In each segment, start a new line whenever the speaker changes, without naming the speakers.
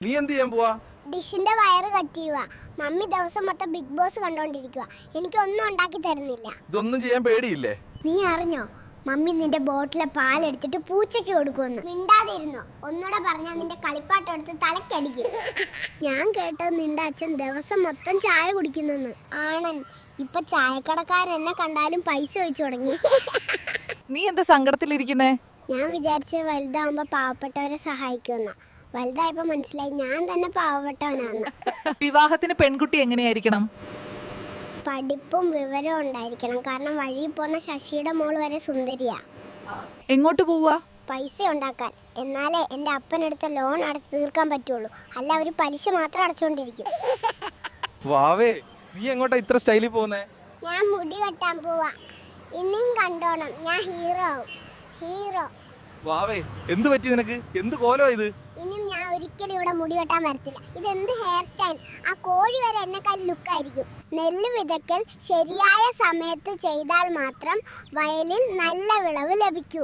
നീ എന്ത് ചെയ്യാൻ പോവാ?
ഡിഷിന്റെ വയറ് കട്ട് ചെയ്യുക. മമ്മി ദിവസം മൊത്തം ബിഗ് ബോസ് കണ്ടോണ്ടിരിക്കുക. എനിക്കൊന്നും ഉണ്ടാക്കി തരുന്നില്ല.
ഇതൊന്നും ചെയ്യാൻ പേടിയില്ലേ?
നീ അറിഞ്ഞോ, മമ്മി നിന്റെ ബോട്ടിലെ പാലെടുത്തിട്ട് പൂച്ചയ്ക്ക് കൊടുക്കുമെന്ന്. മിണ്ടാതിരുന്നോ, ഒന്നുകൂടെ പറഞ്ഞാൽ നിന്റെ കളിപ്പാട്ടം എടുത്ത് തലക്കടിക്കും. ഞാൻ കേട്ടത് നിന്റെ അച്ഛൻ ദിവസം മൊത്തം ചായ കുടിക്കുന്നെന്ന്. ആണൻ, ഇപ്പൊ ചായക്കടക്കാരൻ എന്നെ കണ്ടാലും പൈസ ചോദിച്ചു തുടങ്ങി.
നീ എന്താ സങ്കടത്തിലിരിക്കുന്നേ?
ഞാൻ വിചാരിച്ച് വലുതാവുമ്പോ പാവപ്പെട്ടവരെ സഹായിക്കുമെന്ന. വലുതായപ്പോ മനസ്സിലായി ഞാൻ തന്നെ പാവപ്പെട്ടവനാന്ന്.
വിവാഹത്തിന് പെൺകുട്ടി എങ്ങനെയായിരിക്കണം?
പഠിപ്പും വിവരവും ഉണ്ടായിരിക്കണം. കാരണം വഴിയിൽ പോകുന്ന ശശിയുടെ മോള് വരെ സുന്ദരിയാ.
എങ്ങോട്ട് പോവാ?
പൈസ ഉണ്ടാക്കാൻ. എന്നാലേ എൻ്റെ അപ്പനെടുത്ത ലോൺ അടച്ചു തീർക്കാൻ പറ്റുള്ളൂ. അല്ല അവര് പലിശ മാത്രം അടച്ചുകൊണ്ടിരിക്കും.
വാവേ, നീ എങ്ങോട്ടാ ഇത്ര സ്റ്റൈലിൽ പോകുന്നേ?
ഞാൻ മുടി വെട്ടാൻ പോവാ. ഇനിയും കണ്ടോണം, ഞാൻ ഹീറോ ആവും. ഹീറോ.
വാവേ, എന്ത് പറ്റി നിനക്ക്? എന്ത് കോലോ ഇത്?
ഇനിയും ഞാൻ ഒരിക്കലും ഇവിടെ മുടി വെട്ടാൻ വരത്തില്ല. ഇതെന്ത് ഹെയർ സ്റ്റൈൽ! ആ കോഴി വരെ എന്നെക്കാൾ ലുക്കായിരിക്കും. നെല്ല് വിതക്കൽ ശരിയായ സമയത്ത് ചെയ്താൽ മാത്രം വയലിൽ നല്ല വിളവ് ലഭിക്കൂ.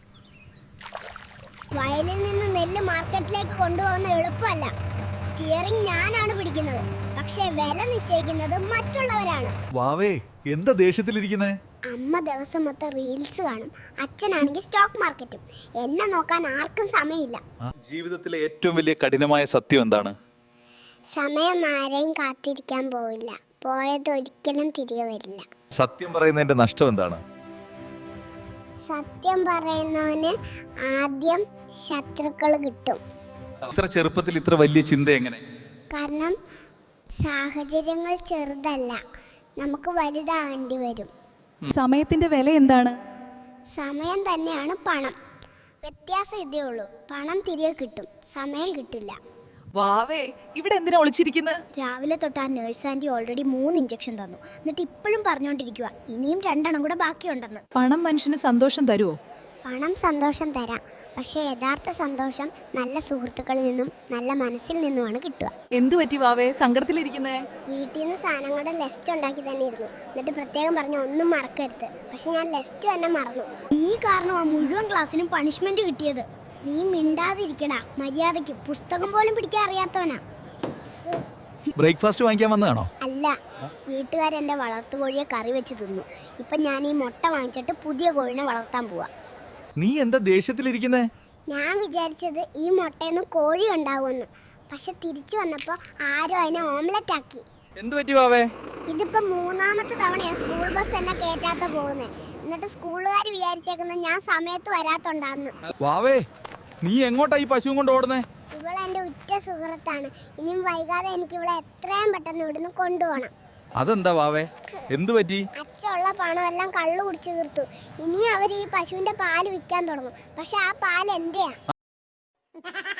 വയലിൽ നിന്ന് നെല്ല് മാർക്കറ്റിലേക്ക് കൊണ്ടുപോകുന്ന എളുപ്പമല്ല. സ്റ്റിയറിംഗ് ഞാനാണ് പിടിക്കുന്നത്, പക്ഷേ വില നിശ്ചയിക്കുന്നത് മറ്റുള്ളവരാണ്.
വാവേ, എന്താ ദേഷ്യത്തിലിരിക്കുന്നേ?
അമ്മ ദിവസം മൊത്തം റീൽസ് കാണും, അച്ഛനാണെങ്കിൽ സ്റ്റോക്ക് മാർക്കറ്റും. എന്നെ നോക്കാൻ ആർക്കും സമയമില്ല.
ജീവിതത്തിലെ ഏറ്റവും വലിയ കഠിനമായ സത്യം എന്താണ്?
സമയം ആരെയും കാത്തിരിക്കാൻ പോവില്ല. പോയത് ഒരിക്കലും തിരികെ വരില്ല.
സത്യം പറയുന്നതിന്റെ നഷ്ടം എന്താണ്?
സത്യം പറയുന്നവന് ആദ്യം ശത്രുക്കൾ കിട്ടും.
ഇത്ര ചെറുപ്പത്തിൽ ഇത്ര വലിയ ചിന്ത എങ്ങനെ?
കാരണം സാഹചര്യങ്ങൾ ചെറുതല്ല, നമുക്ക് വലുതാകേണ്ടി വരും.
സമയത്തിന്റെ വില എന്താണ്?
സമയം തന്നെയാണ് പണം. വ്യത്യാസം ഇതേ ഉള്ളൂ, പണം തിരികെ കിട്ടും, സമയം കിട്ടില്ല.
വാവേ, ഇവിടെ എന്തിനാ ഒളിച്ചിരിക്കുന്നത്?
രാവിലെ തൊട്ട് ആ നേഴ്സ് ആൻറ്റി ഓൾറെഡി 3 ഇഞ്ചക്ഷൻ തന്നു. എന്നിട്ട് ഇപ്പോഴും പറഞ്ഞുകൊണ്ടിരിക്കുക ഇനിയും 2 കൂടെ ബാക്കിയുണ്ടെന്ന്.
പണം മനുഷ്യന് സന്തോഷം തരുമോ?
പണം സന്തോഷം തരാം, പക്ഷേ യഥാർത്ഥ സന്തോഷം നല്ല സുഹൃത്തുക്കളിൽ നിന്നും നല്ല മനസ്സിൽ നിന്നുമാണ് കിട്ടുക.
എന്തു പറ്റി വാവേ സങ്കടത്തിലിരിക്കുന്നേ?
വീട്ടിൽ നിന്ന് സാധനങ്ങളുടെ ലിസ്റ്റ് ഉണ്ടാക്കി തന്നെ ഇരുന്നു. എന്നിട്ട് പ്രത്യേകം പറഞ്ഞു ഒന്നും മറക്കരുത്. പക്ഷെ ഞാൻ ലിസ്റ്റ് തന്നെ മറന്നു. നീ കാരണം ആ മുഴുവൻ ക്ലാസ്സിനും പണിഷ്മെന്റ് കിട്ടിയത്. നീ മിണ്ടാതിരിക്കടാ, മര്യാദയ്ക്ക്. പുസ്തകം പോലും പിടിക്കാൻ അറിയാത്തവനാ.
ബ്രേക്ക്ഫാസ്റ്റ് വാങ്ങിക്കാൻ വന്നതാണോ?
അല്ല, വീട്ടുകാരെന്റെ വളർത്തുകോഴിയെ കറി വെച്ച് തിന്നു. ഇപ്പൊ ഞാൻ ഈ മുട്ട വാങ്ങിച്ചിട്ട് പുതിയ കോഴിനെ വളർത്താൻ പോവാ.
നീ എന്താ ദേഷ്യത്തിലിരിക്കുന്നേ?
ഞാൻ വിചാരിച്ചത് ഈ മുട്ടയൊന്നും കോഴി ഉണ്ടാവുമെന്ന്. പക്ഷെ തിരിച്ചു വന്നപ്പോ ആരോ അതിനെ ഓംലെറ്റ് ആക്കി.
എന്ത് പറ്റി വാവേ?
ഇതിപ്പോ 3ാമത്തെ തവണയാ സ്കൂൾ ബസ് എന്നെ കേറ്റാത്ത പോകുന്നേ. എന്നിട്ട് സ്കൂളുകാർ വിചാരിച്ചേക്കുന്നത് ഞാൻ സമയത്ത് വരാത്തോണ്ടാന്ന്.
വാവേ, നീ എങ്ങോട്ടാ ഈ പശുവും കൊണ്ട് ഓടുന്നേ?
ഇവളെന്റെ ഉറ്റ സുഹൃത്താണ്. ഇനിയും വൈകാതെ എനിക്ക് ഇവളെ എത്രയും പെട്ടെന്ന് ഇവിടുന്ന് കൊണ്ടുപോകണം.
അതെന്താ വാവേ, എന്തു പറ്റി?
അച്ഛനുള്ള പണമെല്ലാം കള്ളു കുടിച്ചു തീർത്തു. ഇനി അവർ ഈ പശുവിന്റെ പാല് വിൽക്കാൻ തുടങ്ങും. പക്ഷെ ആ പാൽ എന്റെയാ.